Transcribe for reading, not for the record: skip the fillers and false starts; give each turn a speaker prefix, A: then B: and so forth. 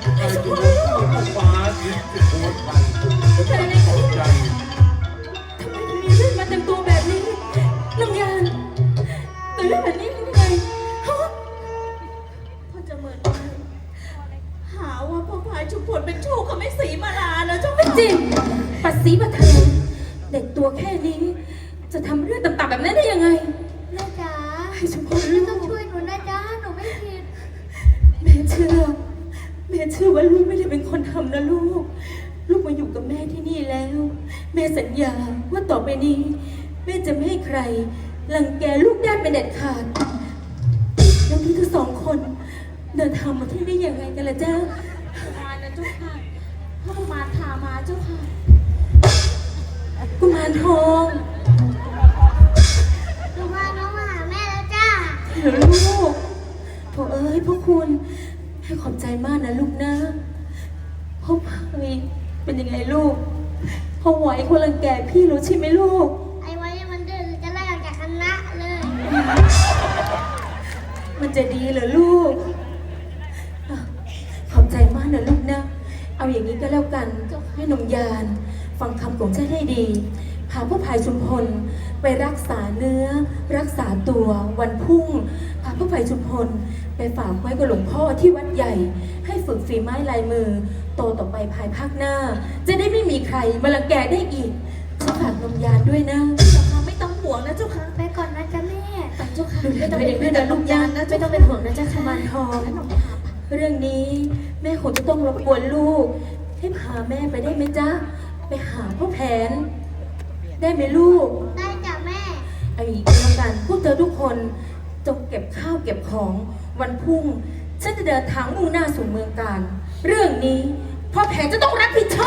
A: ใครจะรู้ว่าฟ้าดินจะโคตรไปจะต้องตกใจ
B: ทำไมถึงมีเลือดมาเต็มตัวแบบนี้ลำยานเกิดเรื่องแบบนี้ได้ยังไงฮะ
C: พ่อจะเหมือนกันหาว่าพ่อพายชุมพลเป็นชู้กับแม่ศรีมาลาแล้วเจ้า
B: ไม่จริงปัดสีมาเธอเด็กตัวแค่นี้ จะทำเรื่องต่ำๆแบบนั้นได้ยังไง
D: แม่จ๋า
B: ให้ชุมพล
D: แม่
B: ลู
D: ต้อง
B: ก
D: ช่วยหนูนะจ๊ะหนูไม่ผิด
B: แม่เชื่อว่าลูกไม่ได้เป็นคนทำนะลูก ลูกมาอยู่กับแม่ที่นี่แล้ว แม่สัญญาว่าต่อไปนี้ แม่จะไม่ให้ใครรังแกลูกได้เป็นเด็ดขาดแล้วนี่ทั้งสองคนเดินทางมาที่นี่ยังไงกันล่ะจ๊ะ
C: มานะเจ้าค่ะพ่อมาทามาเจ้าค่ะ
B: กุมารทอง
D: หนูพาน้องมาหาแม่แล้วจ้า
B: เหรอลูกโถเอ้ยพวกคุณให้ขอบใจมากนะลูกนะพ่อพายเป็นยังไงลูกพ่อไหวคนรังแกพี่รู้ใช่ไหมลูก
D: ไอ้ไว้มันดื้อจะไล่ออกจากคณะเลย
B: มันจะดีเหรอลูกอ่ะขอบใจมากนะลูกนะ เอาอย่างนี้ก็แล้วกันให้หนุ่มยานฟังคำของฉันให้ดีพาพ่อพายชุมพลไปรักษาเนื้อ รักษาตัววันพรุ่งพาพ่อพายชุมพลไปฝากไว้กับหลวงพ่อที่วัดใหญ่ ให้ฝึกฝีไม้ลายมือ โตต่อไปภายภาคหน้า จะได้ไม่มีใครมารังแกได้อีกฉันฝากนมยานด้วยนะ
C: เจ้าค่ะไม่ต้องห่วงนะเจ้าค่ะ
D: ไปก่อนนะจ๊ะแม่
C: ไปเจ้าค่ะ
B: ดูแล
C: ไม่
B: ตั
C: ต้อง
B: วเองด้วยนะลูกยานนะ
C: ไม่ต้องเป็นห่วงนะเจ้าค่ะ
B: กุมารทอง
C: แล้วหนูพาไป
B: เรื่องนี้แม่คงจะต้องรบกวนลูก ให้พาแม่ไปได้ไหมจ๊ะ ไปหาพ่อแผน ได้ไหมลูก
D: ได้จ้ะแม่
B: ไอ้กรรมการพวกเธอทุกคนจงเก็บข้าวเก็บของวันพรุ่ง ฉันจะเดินทางมุ่งหน้าสู่เมืองการ เรื่องนี้พ่อแผนจะต้องรับผิดช